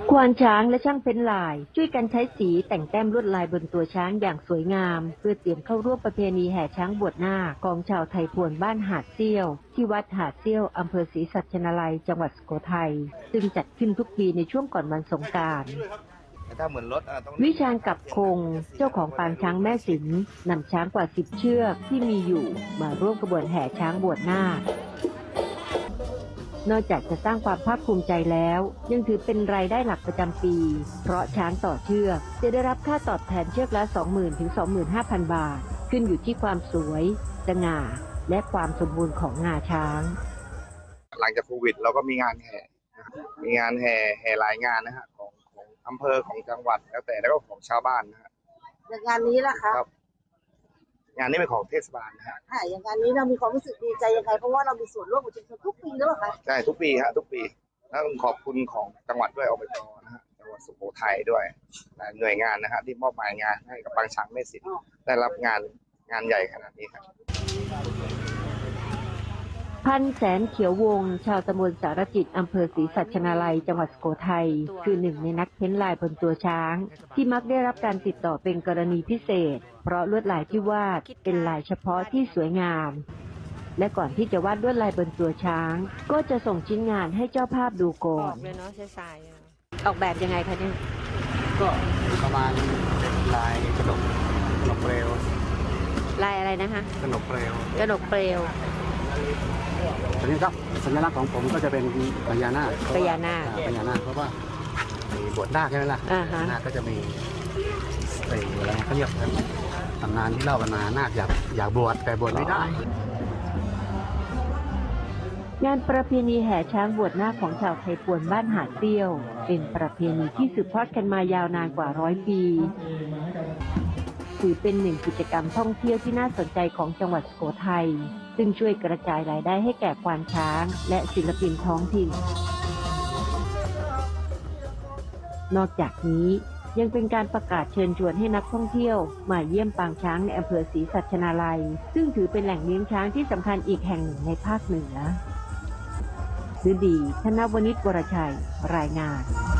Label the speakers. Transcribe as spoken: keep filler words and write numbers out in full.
Speaker 1: ควานช้างและช่างเพ้นลายช่วยกันใช้สีแต่งแต้มลวดลายบนตัวช้างอย่างสวยงามเพื่อเตรียมเข้าร่วมประเพณีแห่ช้างบวชนาคของชาวไทยพวนบ้านหาดเซี่ยวที่วัดหาดเซี่ยวอำเภอศรีสัชนาลัยจังหวัดสุโขทัยซึ่งจัดขึ้นทุกปีในช่วงก่อนวันสงกรานต์วิชาญกับคงเจ้าของปางช้างแม่สินนำช้างกว่าสิบเชือกที่มีอยู่มาร่วมกระบวนแห่ช้างบวชนาคนอกจากจะสร้างความภาคภูมิใจแล้วยังถือเป็นรายได้หลักประจำปี เพราะช้างต่อเชือกจะได้รับค่าตอบแทนเชือกละ สองหมื่น ถึง สองหมื่นห้าพัน บาทขึ้นอยู่ที่ความสวยสง่าและความสมบูรณ์ของงาช้าง
Speaker 2: หลังจากโควิดเราก็มีงานแห่มีงานแห่แห่หลายงานนะฮะของของอำเภอของจังหวัดแล้วแต่แล้วก็ของชาวบ้านนะฮะ
Speaker 3: อย่างงานนี้ล่ะคะ
Speaker 2: งานนี้เป็นของเทศบาลนะฮะ
Speaker 3: ค่ะอย่างงานนี้เรามีความรู้สึกดีใจยังไงเพราะว่าเรามีส่วนร่วมกับชุมชนทุกปีแล้วค่ะ
Speaker 2: ใช่ทุกปีฮะทุกปีแล้วขอบคุณของจังหวัดด้วยอบจนะฮะจังหวัดสุโขทัยด้วยหน่วยงานนะฮะที่มอบหมายงานให้กับปางช้างแม่สินได้รับงานงานใหญ่ขนาดนี้ครับ
Speaker 1: พันแสนเขียววงชาวตำบลสารจิตอำเภอศรีสัชนาลัยจังหวัดสุโขทัยคือหนึ่งในนักเพ้นลายบนตัวช้างที่มักได้รับการติดต่อเป็นกรณีพิเศษเพราะลวดลายที่วาดเป็นลายเฉพาะที่สวยงามและก่อนที่จะวาดลวดลายบนตัวช้างก็จะส่งชิ้นงานให้เจ้าภาพดูก่อนออกแบบยังไงคะเนี่ย
Speaker 4: ก็ประมาณลายกระดกกระดกเปลว
Speaker 1: ลายอะไรนะคะ
Speaker 4: กระดกเปลว
Speaker 1: กระดกเปลว
Speaker 4: ทีนี้ครับสัญลักษณ์ของผมก็จะเป็นพญานาค
Speaker 1: พญานาค
Speaker 4: พญานาคเพราะว่ามีบวชนาคใช่ไหมล่ะนาคก็จะมีอะไรเขาเรียกตำนานที่เล่ากันมานาคอยากอยากบวชแต่บวชไม่ได้
Speaker 1: งานประเพณีแห่ช้างบวชนาคของชาวไทยพวนบ้านหาดเซี่ยวเป็นประเพณีที่สืบทอดกันมายาวนานกว่าร้อยปีถือเป็นหนึ่งกิจกรรมท่องเที่ยวที่น่าสนใจของจังหวัดสุโขทัยซึ่งช่วยกระจายรายได้ให้แก่ควานช้างและศิลปินท้องถิ่นนอกจากนี้ยังเป็นการประกาศเชิญชวนให้นักท่องเที่ยวมาเยี่ยมปางช้างในอำเภอศรีสัชนาลัยซึ่งถือเป็นแหล่งเลี้ยงช้างที่สำคัญอีกแห่งหนึ่งในภาคเหนือฤดี ธนวณิช วรชัย รายงาน